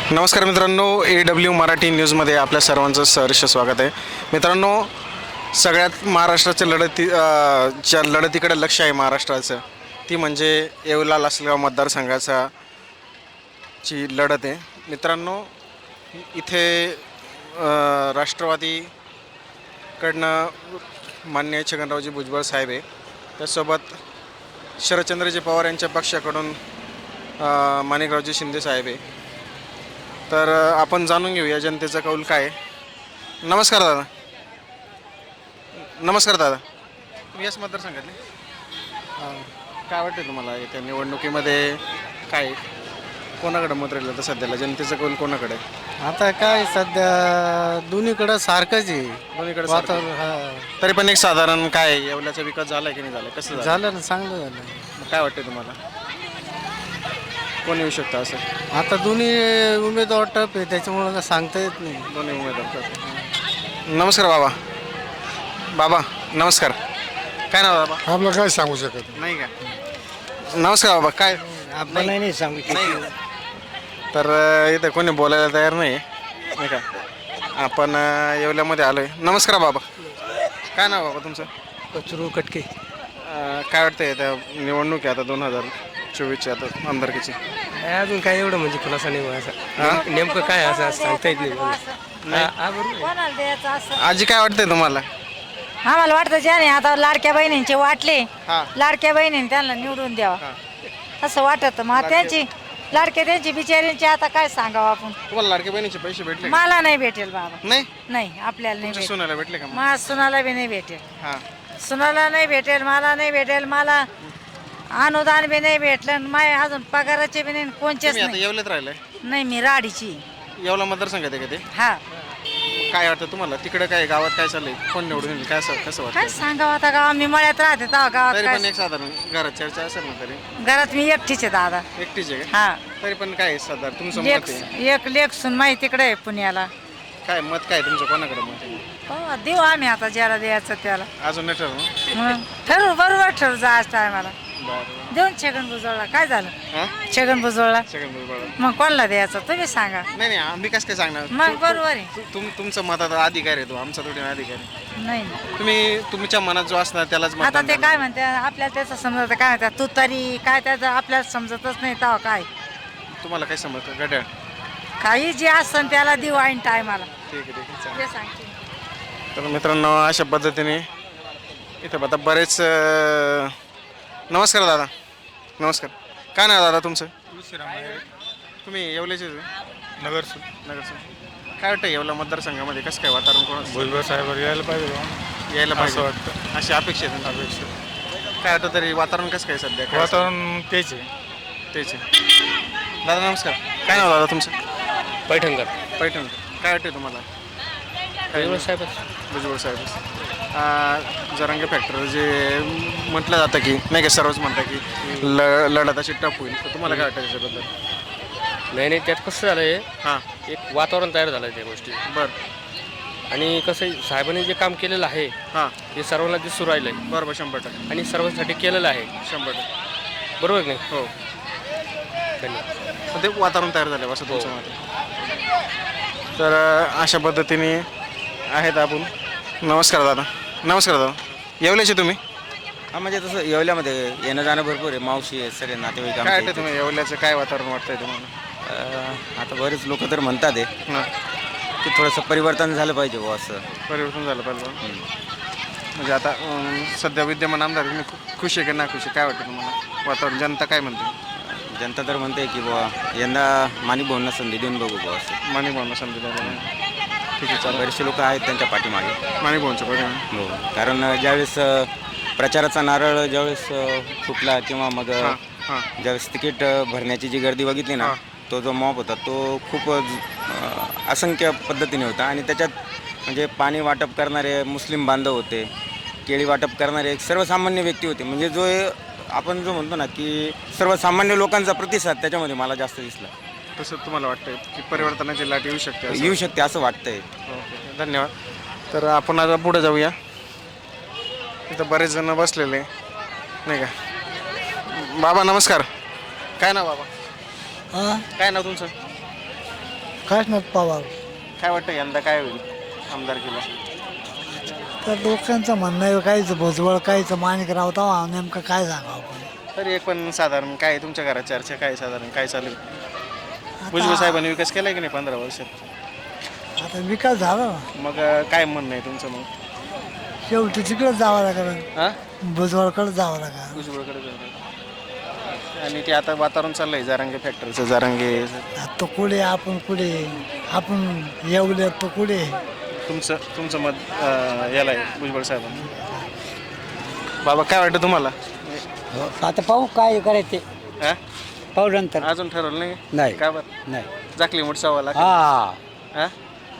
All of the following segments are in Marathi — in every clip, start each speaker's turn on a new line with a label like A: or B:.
A: नमस्कार मित्रांनो, AW मराठी न्यूजमध्ये आपल्या सर्वांचं सहर्ष स्वागत आहे. मित्रांनो, सगळ्यात महाराष्ट्राच्या ज्या लढतीकडे लक्ष आहे महाराष्ट्राचं, ती म्हणजे येवला लासलगाव मतदारसंघाचा ची लढत आहे. मित्रांनो, इथे राष्ट्रवादीकडनं माननीय छगनरावजी भुजबळ साहेब आहे, त्यासोबत शरदचंद्रजी पवार यांच्या पक्षाकडून माणिकरावजी शिंदे साहेब आहे. तर आपण जाणून घेऊया जनतेचा कौल काय आहे. नमस्कार दादा. नमस्कार दादा. तुम्ही याच मतदारसंघातले? काय वाटतं तुम्हाला येत्या निवडणुकीमध्ये काय कोणाकडे मत राहिलं तर सध्याला जनतेचा कौल कोणाकडे आहे?
B: आता काय सध्या दोन्हीकडं सारखंच आहे
A: दोन्हीकडे
B: वातावरण.
A: तरी पण एक साधारण काय येवल्याचा विकास झाला की नाही झाला, कसं झालं?
B: झालं ना, चांगलं झालं.
A: मग काय वाटतं तुम्हाला कोण येऊ शकतं असं?
B: आता दोन्ही उमेदवार टप आहे, त्याच्यामुळं काय सांगता येत नाही.
A: दोन्ही उमेदवार. नमस्कार बाबा. बाबा नमस्कार. काय नाव बाबा?
C: आपलं काय सांगू शकत
A: नाही का? नमस्कार बाबा. काय
B: आपण नाही सांगू
A: तर इथं कोणी बोलायला तयार नाही का? आपण येवल्यामध्ये आलो आहे. नमस्कार बाबा. काय नाव बाबा तुमचं?
B: कचरू कटके.
A: काय वाटतं त्या निवडणूक आहे आता 2024ची आता आमदारकीची?
B: अजून काय एवढं म्हणजे खुलासा नाही असं नेमकं काय असं सांगता येत नाही.
A: आजी काय वाटतंय तुम्हाला?
D: आम्हाला वाटतं ज्याने आता लाडक्या बहिणींचे वाटले,
A: हां.
D: लाडक्या बहिणीने त्यांना निवडून द्यावा असं वाटत. मग त्यांची त्यांची बिचारींची आता काय सांगावं आपण.
A: तुम्हाला लाडक्या बहिणीचे पैसे भेटले का?
D: मला नाही भेटेल बाबा,
A: नाही.
D: नाही आपल्याला नाही भेटेल.
A: सुनायला भेटले का?
D: मला सुनाला बी नाही भेटेल,
A: हां.
D: सुनाला नाही भेटेल, मला नाही भेटेल. मला अनुदान बी नाही भेटलं, माय अजून पगाराचे बी नाही, कोणचेच
A: तुम्ही आता
D: नाही.
A: येवल्यात राहिलाय?
D: नाही, मी राडीची.
A: येवला मतदारसंघात आहे का ते?
D: हा,
A: काय वाटतं तुम्हाला तिकडे काय गावात काय चाललंय, कोण निवडून येईल, काय कसं
D: काय
A: वाटतं?
D: सांगावं आता. गाव मी मळ्यात राहते तेव्हा गावात
A: तरी पण
D: काय.
A: एक साधारण घरात चर्चा असेल ना तरी?
D: घरात मी एकटीच आहे दादा.
A: एकटीच आहे का?
D: हा,
A: तरी पण काय साधारण तुमचं मत
D: लेख
A: आहे?
D: एक लेख सुन माहिती तिकडे आहे पुण्याला.
A: काय मत काय तुमचं कोणाकडे मत आहे?
D: हो, देऊ आम्ही आता ज्याला द्यायचं त्याला.
A: अजून नाही ठरवलं?
D: मग ठरवू, बरोबर ठरवू आज टायमाला.
A: बरं.
D: देऊन छगन भुजबळला काय झालं?
A: हां?
D: छगन भुजबळला
A: सेकंड बरोबर.
D: मग कोणाला द्यायचं तुम्ही सांगा.
A: नाही नाही, आम्ही कसं काय सांगणार?
D: मग बरोबर आहे.
A: तुमचं मताचा अधिकार आहे, तो आमचा थोडी अधिकार आहे.
D: नाही नाही.
A: तुम्ही तुमच्या मनात जो असणार त्यालाच
D: आता
A: मतदान
D: ते
A: करणार.
D: काय म्हणते आपल्याला त्याचं समजत काय म्हणतात तू तरी काय त्याचं आपल्याला समजतच नाही तेव्हा काय.
A: तुम्हाला काय समजतं घड्याळ?
D: काही जे असतं त्याला देऊ ऐन टायमाला.
A: ठीक आहे ठीक आहे, चालेल.
D: ते सांगते.
A: तर मित्रांनो, अशा पद्धतीने इथं आता बरेच नमस्कार दादा. नमस्कार. काय नाव दादा तुमचं? तुम्ही येवल्याचे
C: नगर
A: काय वाटतं येवला मतदारसंघामध्ये कसं काय वातावरण कोणाचं
C: भुजबळ साहेब यायला पाहिजे बा.
A: यायला
C: असं
A: पाहिजे
C: वाटतं.
A: अशी अपेक्षा आहे तुमची? काय वाटतं तरी वातावरण कसं काय सध्या? काय
C: वातावरण तेच आहे.
A: तेच आहे. दादा नमस्कार. काय नाव दादा तुमचं?
B: पैठणकर.
A: पैठण. काय वाटतं तुम्हाला? भुजबळ साहेब. जरांगे फॅक्टर जे म्हटलं जातं की नाही का, सर्वच म्हणतात की लढत अशी टफ होईल, तर तुम्हाला काय वाटतं त्याच्याबद्दल?
B: नाही त्यात कसं झालं आहे,
A: हां.
B: एक वातावरण तयार झालं आहे त्या गोष्टी.
A: बरं.
B: आणि कसं आहे, साहेबांनी जे काम केलेलं आहे
A: हां.
B: ते सर्वांना दिसून राहिलं आहे
A: बरोबर, 100%.
B: आणि सर्वांसाठी केलेलं आहे.
A: 100%.
B: बरोबर की नाही?
A: हो.
B: धन्यवाद.
A: तर ते वातावरण तयार झालं असं तुमचं मत आहे. तर अशा पद्धतीने आहेत आपण. नमस्कार दादा. नमस्कार दादा. येवल्याचे तुम्ही?
E: हा, म्हणजे तसं येवल्यामध्ये येणं जाणं भरपूर आहे, मावशी आहे, सगळे नातेवाईक
A: काय
E: आमच्या
A: वाटतं
E: इथे.
A: तुम्ही येवल्याचं काय वातावरण वाटतंय तुम्हाला?
E: आता बरेच लोक तर म्हणतात आहे
A: हां.
E: की थोडंसं परिवर्तन झालं पाहिजे बुवा असं.
A: परिवर्तन झालं पाहिजे. म्हणजे आता सध्या विद्यमान आमदार तुम्ही खुश आहे की ना खुश आहे, काय वाटतं तुम्हाला वातावरण? जनता काय म्हणते?
E: जनता तर म्हणते की बुवा यंदा माणिक भाऊंना संधी देऊन बघू बुवा असं.
A: माणिक भावना समजू द्या. ठीक आहे, चालेल.
E: बरेचसे लोक आहेत त्यांच्या पाठीमागे.
A: माणिक भाऊंचं परिणाम.
E: हो, कारण ज्यावेळेस प्रचाराचा नारळ ज्यावेळेस फुटला किंवा मग
A: हां हां
E: ज्यावेळेस तिकीट भरण्याची जी गर्दी बघितली ना,
A: हां.
E: तो जो मॉब होता तो खूप असंख्य पद्धतीने होता. आणि त्याच्यात म्हणजे पाणी वाटप करणारे मुस्लिम बांधव होते, केळी वाटप करणारे एक सर्वसामान्य व्यक्ती होते. म्हणजे जो आपण जो म्हणतो ना की सर्वसामान्य लोकांचा प्रतिसाद त्याच्यामध्ये मला जास्त दिसला.
A: तसं तुम्हाला वाटतं की परिवर्तनाची लाट येऊ शकते असं?
E: येऊ शकते असं वाटतंय.
A: ओके, धन्यवाद. तर आपण आता पुढे जाऊया. इथं बरेच जण बसलेले नाही का. बाबा नमस्कार. काय नाव बाबा? काय नाव तुमचं?
F: काशनाथ पवार.
A: काय वाटतं यंदा काय होईल आमदारकीला?
F: तर लोकांचं म्हणणं आहे काहीचं भुजबळ काहीचं माणिकराव तवा नेमकं काय सांगावं आपण.
A: तरी एक पण साधारण काय तुमच्या घरात चर्चा काय साधारण काय चालू आहे? भुजबळ साहेबांनी विकास केलाय की नाही 15 वर्षात?
F: आता विकास झाला ना,
A: मग काय म्हणणं आहे तुमचं मग?
F: शेवटी तिकडेच जावं लागेल,
A: हां
F: भुजबळकडे जावं लागेल.
A: भुजबळकडे जाणार. आणि ते आता वातावरण चाललंय जारांगे फॅक्टरीचं जारांगे.
F: तो कुठे आपण कुठे आपण येवले तो कुठे.
A: तुमचं मत याला आहे भुजबळ साहेबांना. बाबा काय वाटतं तुम्हाला?
G: आता पाहू काय करायचे
A: हां
G: पाहू नंतर.
A: अजून ठरवलं नाही?
G: नाही.
A: का बरं?
G: नाही.
A: जाकली मुठसावाला
G: हा
A: हां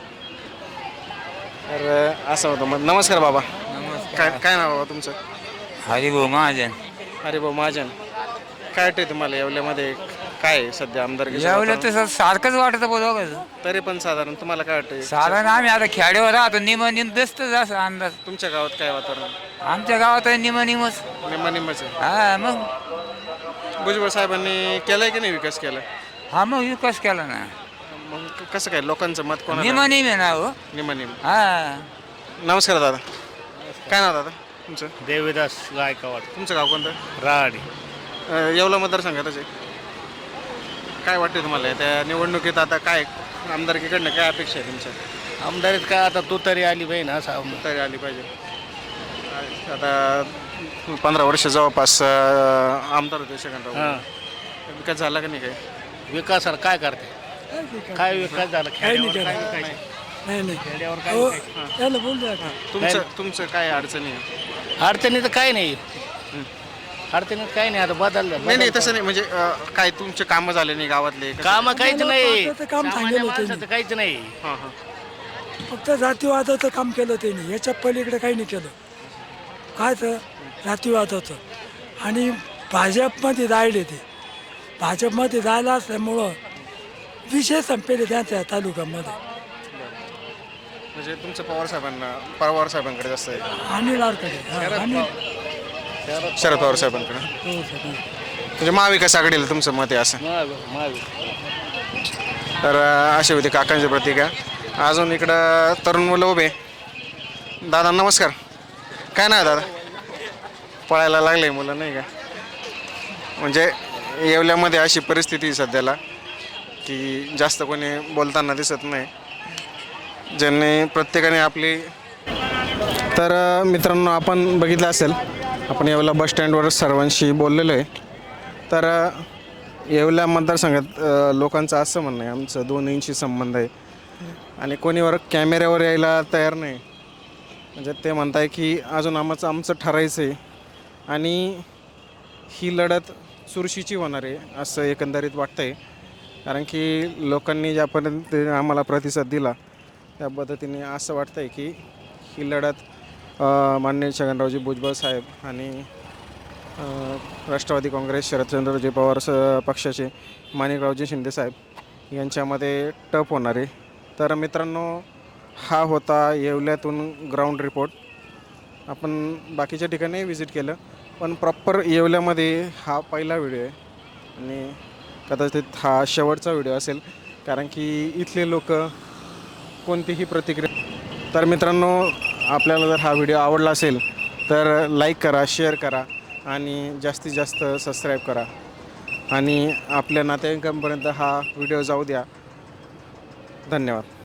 A: तर असं होतं मग. नमस्कार बाबा. काय काय नाव बाबा तुमचं?
G: हरिभाऊ महाजन.
A: अरे भाऊ महाजन, काय वाटतंय तुम्हाला येवल्यामध्ये काय आहे सध्या आमदार?
G: यावलं तसं सारखंच वाटत बघ.
A: तरी पण साधारण तुम्हाला काय वाटतंय?
G: साधारण आम्ही आता खेड्यावर राहतो निम दिसत असं अंदाज.
A: तुमच्या गावात काय वातावरण?
G: आमच्या गावात आहे निमच.
A: निम्माच आहे.
G: हा मग.
A: भुजबळ साहेबांनी केलाय की नाही विकास केला?
G: हा मग विकास केला ना.
A: मग कसं काय लोकांचं मत कोणाला?
G: निम आहे ना हो.
A: निम.
G: हा
A: नमस्कार दादा. काय नाव दादा तुमचं?
C: देवीदास गायकवाड.
A: तुमचं गाव कोणतं?
C: राहाडी.
A: येवला मतदारसंघातच आहे. काय वाटते तुम्हाला त्या निवडणुकीत आता काय आमदारकीकडनं काय अपेक्षा आहे तुमच्या?
C: आमदारीत काय आता तू तरी आली पाहिजे ना असं.
A: तरी आली पाहिजे. आता 15 वर्ष जवळपास आमदार होते सेकंडराव.
C: हां.
A: विकास झाला का नाही काय?
C: विकासाला काय करते? काय विकास झाला? खेड्यावर काय विकायचं?
F: नाही नाही
C: खेड्यावर काय विकायचं?
F: त्याला बोलू
A: तुमचं काय अडचणी आहे?
C: अडचणी तर काय नाही. अडचणीत काही नाही. आता बदललं.
A: नाही नाही तसं नाही म्हणजे काय तुमचे कामं झाले नाही गावातले?
C: काम काहीच नाही.
F: काम
C: सामान्य
F: सांगितलं
C: माणसाचं काहीच नाही.
A: हां हां
F: फक्त जातीवादाचं काम केलं त्यांनी, याच्या पलीकडे काही नाही केलं. काय तर जातीवादाचं. आणि भाजपमध्ये जायले ते, भाजपमध्ये जायला असल्यामुळं विषय संपेले त्यांच्या तालुक्यामध्ये.
A: म्हणजे तुमचं पवार साहेबांकडे जास्त आहे.
F: अनिल आरकडे
A: शरद पवार साहेबांकडे. म्हणजे महाविकास आघाडीला तुमचं मत आहे असं? तर अशी होती काकांची प्रतिक्रिया. अजून इकडं तरुण मुलं उभे. दादा नमस्कार. काय नाही दादा? पळायला लागले मुलं नाही का? म्हणजे येवल्यामध्ये अशी परिस्थिती सध्याला की जास्त कोणी बोलताना दिसत नाही. ज्यांनी प्रत्येकाने आपली. तर मित्रांनो आपण बघितलं असेल आपण येवला बस स्टँडवर सर्वांशी बोललेलो आहे. तर येवला मतदारसंघात लोकांचं असं म्हणणं आहे आमचं दोन्हींशी संबंध आहे आणि कोणीवर कॅमेऱ्यावर यायला तयार नाही. म्हणजे ते म्हणत आहे की अजून आमचं ठरायचं आहे आणि ही लढत चुरशीची होणार आहे असं एकंदरीत वाटतं आहे. कारण की लोकांनी ज्यापर्यंत आम्हाला प्रतिसाद दिला त्या पद्धतीने असं वाटतं आहे की ही लढत माननीय छगनरावजी भुजबळ साहेब आणि राष्ट्रवादी काँग्रेस शरदचंद्रजी पवार पक्षाचे माणिकरावजी शिंदे साहेब यांच्यामध्ये टफ होणार आहे. तर मित्रांनो हा होता येवल्यातून ग्राउंड रिपोर्ट. आपण बाकीच्या ठिकाणी व्हिजिट केलं पण प्रॉपर येवल्यामध्ये हा पहिला व्हिडिओ आहे आणि कदाचित हा शेवटचा व्हिडिओ असेल कारण की इथले लोक कोणतीही प्रतिक्रिया. तर मित्रांनो आपल्याला जर हा व्हिडिओ आवडला असेल तर लाईक करा, शेअर करा आणि जास्तीत जास्त सबस्क्राईब करा आणि आपल्या नातेवाईकांपर्यंत हा व्हिडिओ जाऊ द्या. धन्यवाद.